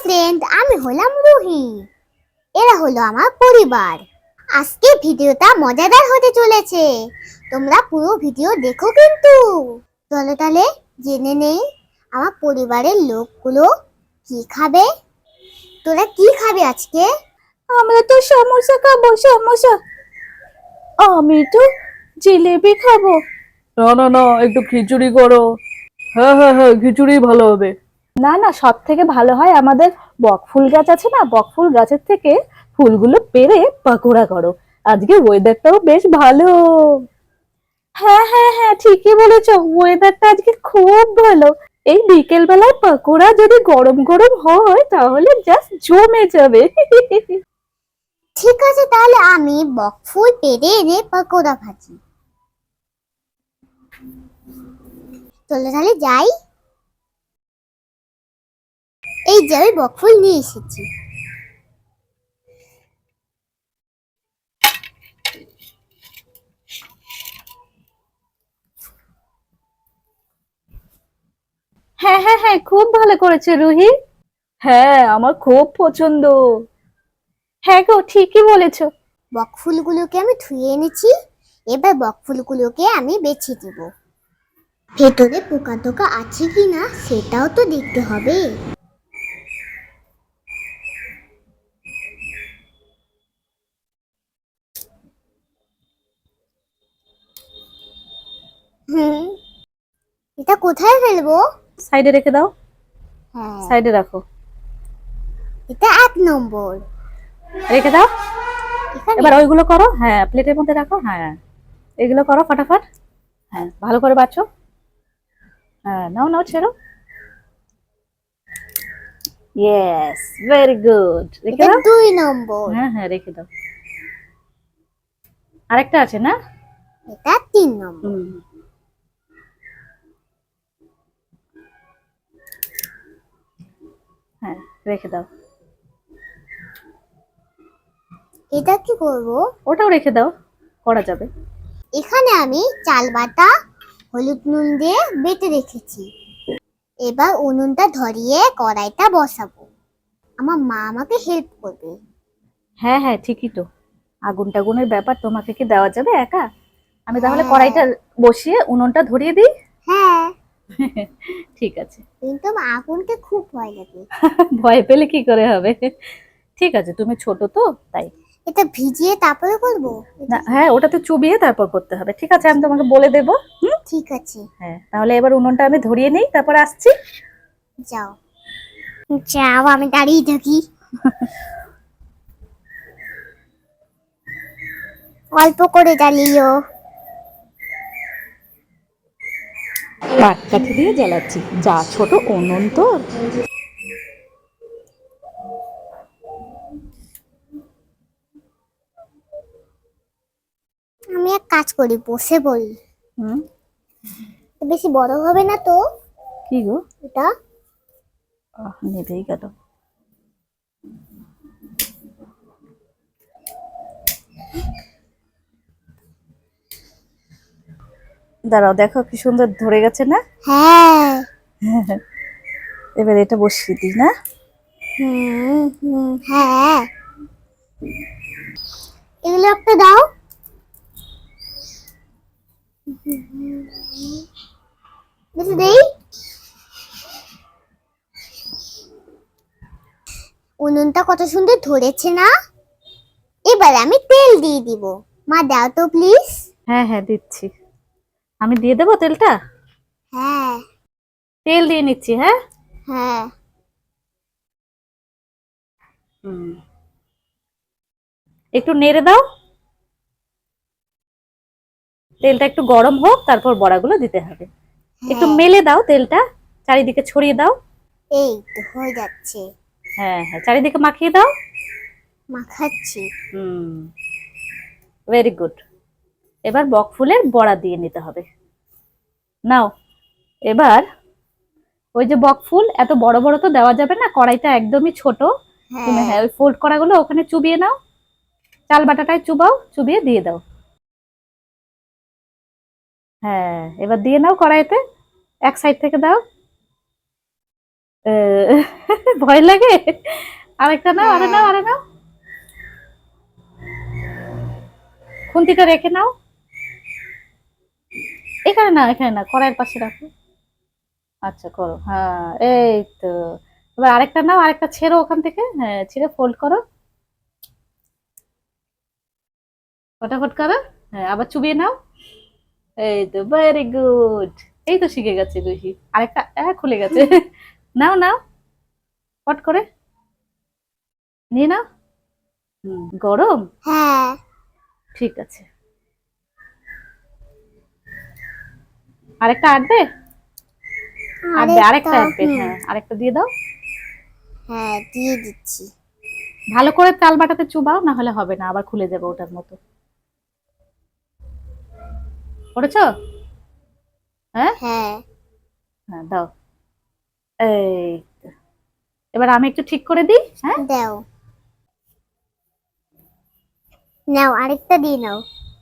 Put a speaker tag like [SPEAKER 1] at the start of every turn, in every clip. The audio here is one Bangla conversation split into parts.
[SPEAKER 1] ফ্রেন্ড, আমি হলাম রুহি। এরা হলো আমার পরিবার। আজকে ভিডিওটা মজাদার হতে চলেছে। তোমরা পুরো ভিডিও দেখো কিন্তু। চলো তাহলে জেনে নেই আমার পরিবারের লোকগুলো কি খাবে। তোরা কি খাবে আজকে?
[SPEAKER 2] আমরা তো সমোসা খাবো, সমোসা। আমি তো জিলেবি খাবো।
[SPEAKER 3] না না না, একটু খিচুড়ি করো। হ্যাঁ হ্যাঁ হ্যাঁ, খিচুড়ি ভালো হবে।
[SPEAKER 2] না না, সব থেকে ভালো হয় আমাদের বকফুল গাছ আছে না, বকফুল গাছের থেকে ফুলগুলো পেড়ে পাকোড়া করো। আজকে ওয়েদারটাও বেশ ভালো। হ্যাঁ হ্যাঁ হ্যাঁ, ঠিকই বলেছো, ওয়েদারটা আজকে খুব ভালো। এই বিকেল বেলায় পাকোড়া যদি গরম গরম হয় তাহলে জাস্ট জমে যাবে।
[SPEAKER 1] ঠিক আছে, তাহলে আমি বকফুল পেড়ে এনে পকোড়া ভাজি। চলো তাহলে যাই। এই যে আমি বকফুল নিয়ে এসেছি।
[SPEAKER 2] হ্যাঁ হ্যাঁ হ্যাঁ, খুব ভালো করেছে রুহি।
[SPEAKER 3] হ্যাঁ, আমার খুব পছন্দ।
[SPEAKER 2] হ্যাঁ গো, ঠিকই বলেছো।
[SPEAKER 1] বকফুলগুলোকে আমি ধুয়ে এনেছি। এবার বকফুলগুলোকে আমি বেছে দিব। ভেতরে পোকা টোকা আছে কিনা সেটাও তো দেখতে হবে। হুম, এটা কোথায় ফেলবো?
[SPEAKER 2] সাইডে রেখে দাও,
[SPEAKER 1] হ্যাঁ,
[SPEAKER 2] সাইডে রাখো,
[SPEAKER 1] এটা 1 নম্বর।
[SPEAKER 2] রেখে দাও।
[SPEAKER 1] এখানে
[SPEAKER 2] এবার ওইগুলো করো, হ্যাঁ প্লেটের মধ্যে রাখো, হ্যাঁ এগুলো করো ফাটাফাট। হ্যাঁ ভালো করে বাছো। হ্যাঁ নাও নাও, ছেড়ো। ইয়েস, ভেরি গুড, রেখে
[SPEAKER 1] এটা
[SPEAKER 2] দাও।
[SPEAKER 1] 2 নম্বর।
[SPEAKER 2] হ্যাঁ হ্যাঁ, রেখে দাও। আরেকটা আছে না?
[SPEAKER 1] এটা 3 নম্বর।
[SPEAKER 2] হুম, হ্যাঁ রেখে দাও।
[SPEAKER 1] এটা কি করব?
[SPEAKER 2] ওটাও রেখে দাও, করা যাবে।
[SPEAKER 1] এখানে আমি চাল বাটা হলুদ নুন দিয়ে বেটে রেখেছি। এবার উনুনটা ধরিয়ে কড়াইটা বসাবো। আমার মা আমাকে হেল্প করবে।
[SPEAKER 2] হ্যাঁ হ্যাঁ, ঠিকই তো। আগুন টাগুনের ব্যাপার তোমাকে কি দেওয়া যাবে একা? আমি তাহলে
[SPEAKER 1] হ্যাঁ
[SPEAKER 2] কড়াইটা বসিয়ে উনুনটা ধরিয়ে দিই।
[SPEAKER 1] হ্যাঁ,
[SPEAKER 2] ঠিক আছে।
[SPEAKER 1] কিন্তু আমার আগুনকে খুব ভয় লাগে।
[SPEAKER 2] ভয় পেলে কি করে হবে? ঠিক আছে, তুমি ছোট তো তাই।
[SPEAKER 1] এটা ভিজিয়ে তারপরে করবো?
[SPEAKER 2] না হ্যাঁ, ওটাতে চুবিয়ে তারপর করতে হবে। ঠিক আছে, আমি তোমাকে বলে দেবো। হুম,
[SPEAKER 1] ঠিক আছে,
[SPEAKER 2] হ্যাঁ তাহলে এবার উনুনটা আমি ধরিয়ে নিই, তারপর আসছি।
[SPEAKER 1] যাও যাও, আমি দাঁড়িয়ে থাকি। অল্প করে জ্বালিও।
[SPEAKER 2] পাটকাঠি দিয়ে জ্বালাচ্ছি, যা ছোট উনুন তো।
[SPEAKER 1] আমি এক কাজ করি, বসে পড়ি।
[SPEAKER 2] হুম,
[SPEAKER 1] বেশি বড় হবে না তো
[SPEAKER 2] কি গো?
[SPEAKER 1] এটা?
[SPEAKER 2] নেভেই গেল। দাঁড়াও, দেখো কি সুন্দর ধরে গেছে না?
[SPEAKER 1] হ্যাঁ।
[SPEAKER 2] এবার এটা বসিয়ে দিই না?
[SPEAKER 1] হুম হুম, হ্যাঁ। এগুলো একটা দাও। বেশি দেই। উনুনটা কত সুন্দর ধরেছে না? এবার আমি তেল দিয়ে দিব। মা দাও তো প্লিজ।
[SPEAKER 2] হ্যাঁ হ্যাঁ, দিচ্ছি। আমি দিয়ে দেবো তেলটা।
[SPEAKER 1] হ্যাঁ
[SPEAKER 2] তেল দিয়ে নিচ্ছি, হ্যাঁ।
[SPEAKER 1] হ্যাঁ।
[SPEAKER 2] হুম, একটু নেড়ে দাও। তেলটা একটু গরম হোক, তারপর বড়াগুলো দিতে হবে। একটু
[SPEAKER 1] হ্যাঁ,
[SPEAKER 2] মেলে দাও তেলটা, চারিদিকে ছড়িয়ে দাও।
[SPEAKER 1] এই তো হয়ে যাচ্ছে।
[SPEAKER 2] হ্যাঁ হ্যাঁ, চারিদিকে মাখিয়ে দাও।
[SPEAKER 1] মাখাচ্ছি।
[SPEAKER 2] হুম, ভেরি গুড। এবার বকফুলের বড়া দিয়ে নিতে হবে। নাও, এবার ওই যে বকফুল এত বড় বড় তো দেওয়া যাবে না, কড়াইটা একদমই ছোট। তুমি
[SPEAKER 1] হ্যাঁ,
[SPEAKER 2] হ্যাঁ ওই ফোল্ড করাগুলো ওখানে চুবিয়ে নাও। চাল বাটাটায় চুবাও, চুবিয়ে দিয়ে দাও। হ্যাঁ, এবার দিয়ে নাও কড়াইতে। এক সাইড থেকে দাও। ভয় লাগে। আরেকটা নাও, আরে নাও, আরে নাও। খুন্তিটা রেখে নাও। এখানে না, এখানে না, কড়াইয়ের পাশে রাখো। আচ্ছা করো, হ্যাঁ এই তো। এবার আরেকটা নাও, আরেকটা ছেড়ো ওখান থেকে, হ্যাঁ ছিঁড়ে ফোল্ড করো, ফটাফট করো। হ্যাঁ আবার চুবিয়ে নাও। এই তো, ভেরি গুড। এই তো শিখে গেছে রুহি। আরেকটা খুলে গেছে। নাও নাও, ফট করে নিয়ে নাও। গরম?
[SPEAKER 1] হ্যাঁ,
[SPEAKER 2] ঠিক আছে। আরেকটা আটবে? আটবে, আরেকটা আটবে, হ্যাঁ আরেকটা দিয়ে দাও।
[SPEAKER 1] হ্যাঁ দিয়ে দিচ্ছি।
[SPEAKER 2] ভালো করে তাল বাটাতে চুবাও, না হলে হবে না, আবার খুলে যাবে ওটার মতো। করেছো? হ্যাঁ
[SPEAKER 1] হ্যাঁ,
[SPEAKER 2] হ্যাঁ দাও। এই তো। এবার আমি একটু ঠিক করে দিই, হ্যাঁ।
[SPEAKER 1] দাও, নাও আরেকটা দিয়ে নাও।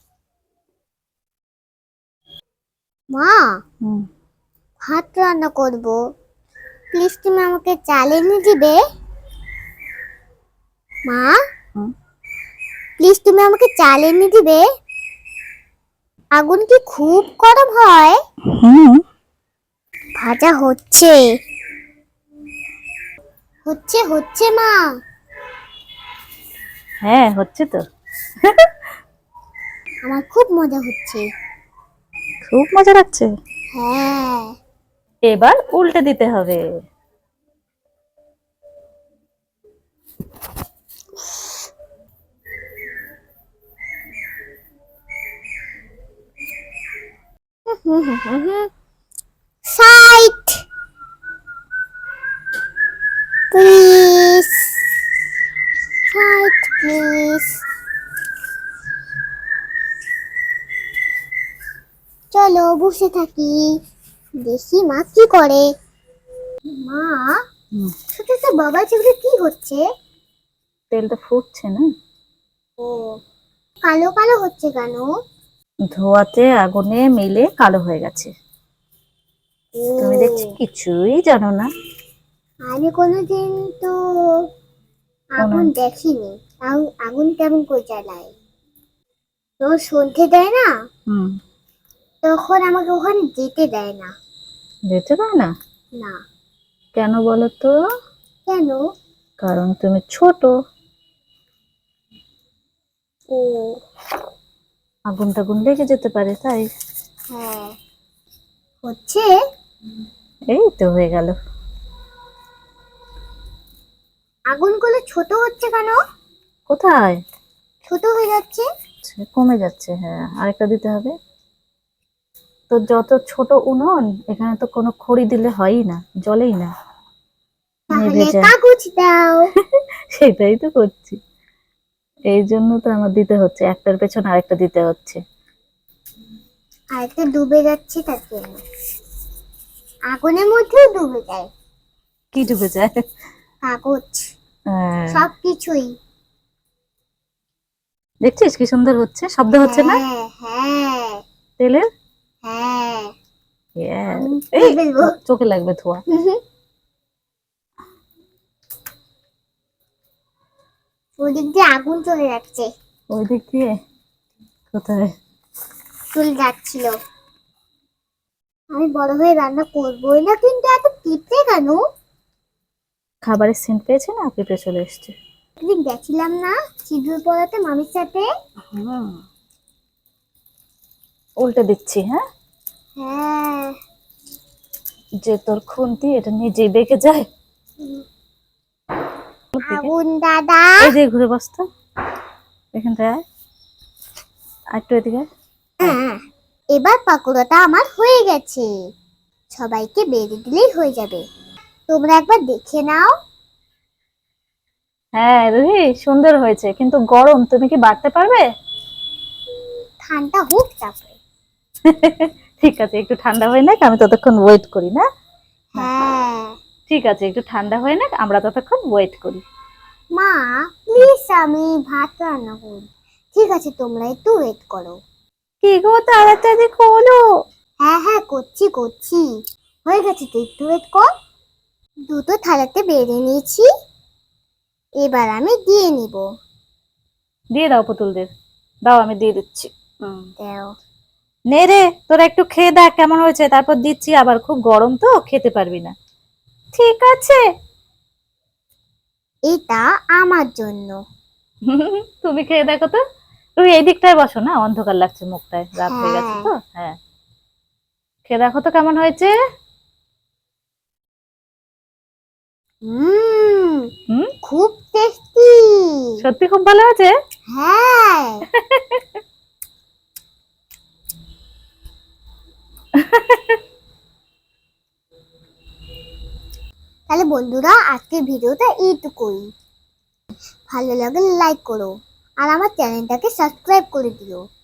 [SPEAKER 1] মা,
[SPEAKER 2] হুম।
[SPEAKER 1] ভাত রান্না করব, প্লিজ তুমি আমাকে চাল এনে দিবে। মা,
[SPEAKER 2] হুম।
[SPEAKER 1] প্লিজ তুমি আমাকে চাল এনে দিবে। আগুন কি খুব গরম হয়?
[SPEAKER 2] হুম।
[SPEAKER 1] ভাজা হচ্ছে, হচ্ছে হচ্ছে মা।
[SPEAKER 2] হ্যাঁ হচ্ছে তো।
[SPEAKER 1] আমার খুব মজা হচ্ছে।
[SPEAKER 2] খুব মজা লাগছে।
[SPEAKER 1] হ্যাঁ,
[SPEAKER 2] এবার উল্টে দিতে হবে।
[SPEAKER 1] Side please, side please. চলো বসে থাকি, দেখি মা কি করে। মা,
[SPEAKER 2] হুম।
[SPEAKER 1] ছোট ছোট বাবা চিংড়ি কি হচ্ছে?
[SPEAKER 2] তেলটা ফুটছে না?
[SPEAKER 1] ও, কালো কালো হচ্ছে কেন?
[SPEAKER 2] ধোয়াতে আগুনে মিলে কালো হয়ে গেছে।
[SPEAKER 1] ও,
[SPEAKER 2] তুমি দেখছি কিছুই জানো না।
[SPEAKER 1] আমি কোনোদিন তো আগুন
[SPEAKER 2] কোন-
[SPEAKER 1] দেখিনি। আগুন কেমন করে জ্বালায়? তো সন্ধে দেয় না,
[SPEAKER 2] হুম।
[SPEAKER 1] তখন আমাকে ওখানে যেতে দেয় না।
[SPEAKER 2] যেতে পারে না?
[SPEAKER 1] না,
[SPEAKER 2] কেন বলো তো?
[SPEAKER 1] কেন?
[SPEAKER 2] কারণ তুমি ছোট।
[SPEAKER 1] ও,
[SPEAKER 2] আগুন টাগুন লেগে যেতে পারে তাই।
[SPEAKER 1] হ্যাঁ হচ্ছে।
[SPEAKER 2] এই তো হয়ে গেল।
[SPEAKER 1] আগুনগুলো ছোট হচ্ছে কেন?
[SPEAKER 2] কোথায়?
[SPEAKER 1] ছোট হয়ে যাচ্ছে।
[SPEAKER 2] কমে যাচ্ছে, হ্যাঁ আরেকটা দিতে হবে। তো যত ছোট উনুন, এখানে তো কোনো খড়ি দিলে হয়ই না, জ্বলেই না, নিভে
[SPEAKER 1] তাহলে
[SPEAKER 2] যায়।
[SPEAKER 1] কাগজ দাও।
[SPEAKER 2] সেটাই তো করছি। এই জন্য তো আমার দিতে হচ্ছে, একটার পেছন আরেকটা দিতে হচ্ছে।
[SPEAKER 1] আর একটা ডুবে যাচ্ছে তার জন্য, আগুনের মধ্যেও ডুবে যায়।
[SPEAKER 2] কি ডুবে যায়?
[SPEAKER 1] কাগজ,
[SPEAKER 2] হ্যাঁ।
[SPEAKER 1] সবকিছুই।
[SPEAKER 2] দেখছিস কি সুন্দর হচ্ছে, শব্দ হচ্ছে না
[SPEAKER 1] হ্যাঁ হ্যাঁ
[SPEAKER 2] তেলের?
[SPEAKER 1] হ্যাঁ,
[SPEAKER 2] Yeah.
[SPEAKER 1] আমি
[SPEAKER 2] এই
[SPEAKER 1] ফেলবো।
[SPEAKER 2] চোখে লাগবে ধোয়া।
[SPEAKER 1] ওদিক দিয়ে আগুন চলে যাচ্ছে।
[SPEAKER 2] ওই দিক দিয়ে? কোথায়?
[SPEAKER 1] চলে যাচ্ছিল। আমি বড় হয়ে রান্না করবোই না, কিন্তু এত পিঁপড়ে কেন?
[SPEAKER 2] খাবারের সেন্ট পেয়েছে না, পেঁপে চলে এসছে।
[SPEAKER 1] একদিন গেছিলাম না সিঁদুর পড়াতে মামির সাথে।
[SPEAKER 2] হুম। উল্টে দিচ্ছি, হ্যাঁ।
[SPEAKER 1] হ্যাঁ,
[SPEAKER 2] যে তোর খুন্তি এটা নিজেই বেঁকে যায়।
[SPEAKER 1] আগুন দাদা।
[SPEAKER 2] এই যে ঘুরে বসতো, এখানটায় আয়, আর একটু এদিকে আয়।
[SPEAKER 1] হ্যাঁ, এবার পাকোড়াটা আমার হয়ে গেছে, সবাইকে বেড়ে দিলেই হয়ে যাবে। তোমরা একবার দেখে নাও।
[SPEAKER 2] হ্যাঁ রুহি, সুন্দর হয়েছে, কিন্তু গরম, তুমি কি বাড়তে পারবে?
[SPEAKER 1] ঠান্ডা হোক তারপরে।
[SPEAKER 2] ঠিক আছে, একটু ঠান্ডা হয়ে নাক, আমি ততক্ষণ ওয়েট করি না।
[SPEAKER 1] হ্যাঁ,
[SPEAKER 2] ঠিক আছে, একটু ঠান্ডা হয়ে নাক, আমরা ততক্ষণ ওয়েট করি।
[SPEAKER 1] মা প্লিজ আমি ভাত রান্না করি। ঠিক আছে, তোমরা একটু ওয়েট করো।
[SPEAKER 2] কি গো, তাড়াতাড়ি করো।
[SPEAKER 1] হ্যাঁ হ্যাঁ করছি করছি, হয়ে গেছে তো, একটু ওয়েট কর। দুটো থালাতে বেড়ে নিয়েছি, এবার আমি দিয়ে নিব।
[SPEAKER 2] দিয়ে দাও পুতুলদের, দাও আমি দিয়ে দিচ্ছি।
[SPEAKER 1] দাও।
[SPEAKER 2] নে রে, তোরা একটু খেয়ে দেখ কেমন হয়েছে, তারপর দিচ্ছি। আবার খুব গরম তো, খেতে পারবি না। ঠিক আছে।
[SPEAKER 1] এটা আমার জন্য।
[SPEAKER 2] তুমি খেয়ে দেখো তো। তুমি এই দিকটায় বসো না, অন্ধকার লাগছে মুখটায়, রাত হয়ে গেছে
[SPEAKER 1] হ্যাঁ।
[SPEAKER 2] তো। হ্যাঁ, খেয়ে দেখো তো কেমন হয়েছে। হুম,
[SPEAKER 1] খুব টেস্টি।
[SPEAKER 2] সত্যি খুব ভালো হয়েছে।
[SPEAKER 1] হ্যাঁ। তাহলে বন্ধুরা, আজকের ভিডিওটা এইটুকুই। ভালো লাগলে লাইক করো আর আমার চ্যানেলটাকে সাবস্ক্রাইব করে দিও।